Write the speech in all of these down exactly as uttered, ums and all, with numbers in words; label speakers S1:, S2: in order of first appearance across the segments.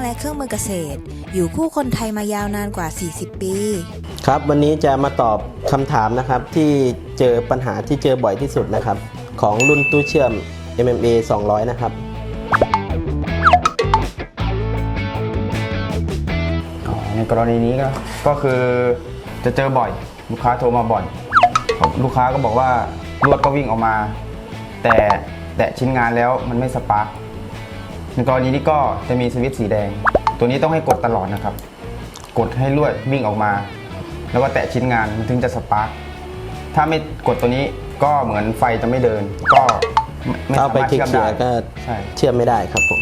S1: และเครื่องมือเกษตร อยู่คู่คนไทยมายาวนานกว่า สี่สิบ ปี
S2: ครับวันนี้จะมาตอบคำถามนะครับที่เจอปัญหาที่เจอบ่อยที่สุดนะครับของรุ่นตู้เชื่อม เอ็ม เอ็ม เอ สองร้อยนะครับ
S3: ในกรณีนี้ก็ก็คือจะเจอบ่อยลูกค้าโทรมาบ่อยลูกค้าก็บอกว่าลวดก็วิ่งออกมาแต่แตะชิ้นงานแล้วมันไม่สปาร์คในกรณีนี้ก็จะมีสวิตช์สีแดงตัวนี้ต้องให้กดตลอดนะครับกดให้ลวดวิ่งออกมาแล้วก็แตะชิ้นงานมันถึงจะสปาร์คถ้าไม่กดตัวนี้ก็เหมือนไฟจะไม่เดินก็ไม่สามารถเชื่อมได้
S2: ก็เชื่อมไม่ได้ครับผม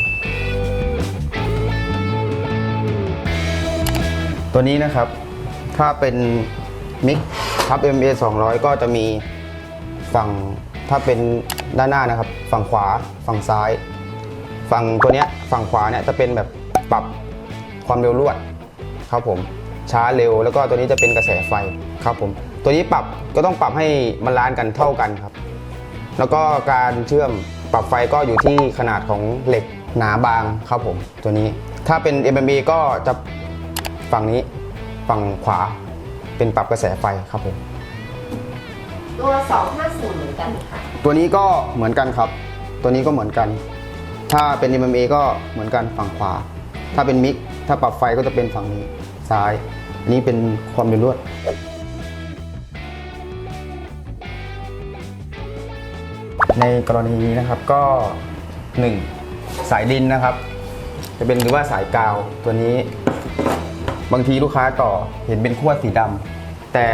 S3: ตัวนี้นะครับถ้าเป็นมิกทับ เอ็ม เอ สองร้อยก็จะมีฝั่งถ้าเป็นด้านหน้านะครับฝั่งขวาฝั่งซ้ายฝั่งตัวเนี้ยฝั่งขวาเนี่ยจะเป็นแบบปรับความเร็วลวดครับผมช้าเร็วแล้วก็ตัวนี้จะเป็นกระแสไฟครับผมตัวนี้ปรับก็ต้องปรับให้มันล้านกันเท่ากันครับแล้วก็การเชื่อมปรับไฟก็อยู่ที่ขนาดของเหล็กหนาบางครับผมตัวนี้ถ้าเป็น เอ็ม เอ็ม เอ ก็จะฝั่งนี้ฝั่งขวาเป็นปรับกระแสไฟครับผม
S4: ตัวสองห้าศูนย์เหมือนกันค่ะ
S3: ตัวนี้ก็เหมือนกันครับตัวนี้ก็เหมือนกันถ้าเป็น เอ็ม เอ็ม เอ ก็เหมือนกันฝั่งขวาถ้าเป็นมิกถ้าปรับไฟก็จะเป็นฝั่งนี้ซ้ายอันนี้เป็นความเร็วลวดในกรณีนี้นะครับก็หนึ่งสายดินนะครับจะเป็นหรือว่าสายกาวตัวนี้บางทีลูกค้าต่อเห็นเป็นขั้วสีดำแต่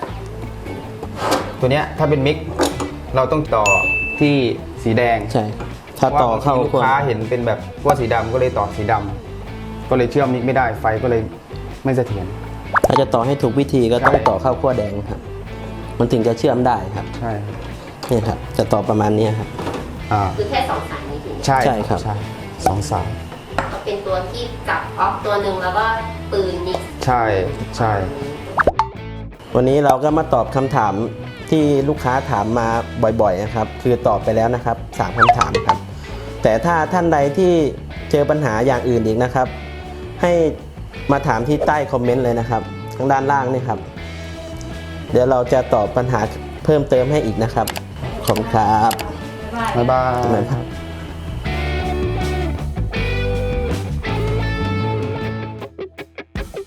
S3: ตัวเนี้ยถ้าเป็นมิกเราต้องต่อที่สีแดง
S2: ใช่ถ้าต่อเข้า
S3: ลูกค้าเห็นเป็นแบบขั้วสีดำก็เลยต่อสีดำก็เลยเชื่อมมิกไม่ได้ไฟก็เลยไม่เสถียร
S2: ถ้าจะต่อให้ถูกวิธีก็ต้องต่อเข้าขั้วแดงครับมันถึงจะเชื่อมได้ครับ
S3: ใช่
S2: นี่ครับจะต่อประมาณนี้ครับ
S4: คือแค่สองสายนี้ถึง
S3: ใช่ใช่ครับใช่สองสาย
S4: ก็เป็นตัวที่จับออฟตัวหนึ่งแล้วก็ปืนมิก
S3: ใช่ใช่
S2: วันนี้เราก็มาตอบคำถามที่ลูกค้าถามมาบ่อยๆนะครับคือตอบไปแล้วนะครับสามคำถามครับแต่ถ้าท่านใดที่เจอปัญหาอย่างอื่นอีกนะครับให้มาถามที่ใต้คอมเมนต์เลยนะครับทางด้านล่างนี่ครับเดี๋ยวเราจะตอบปัญหาเพิ่มเติมให้อีกนะครับขอบคุณครับ
S3: บ๊ายบาย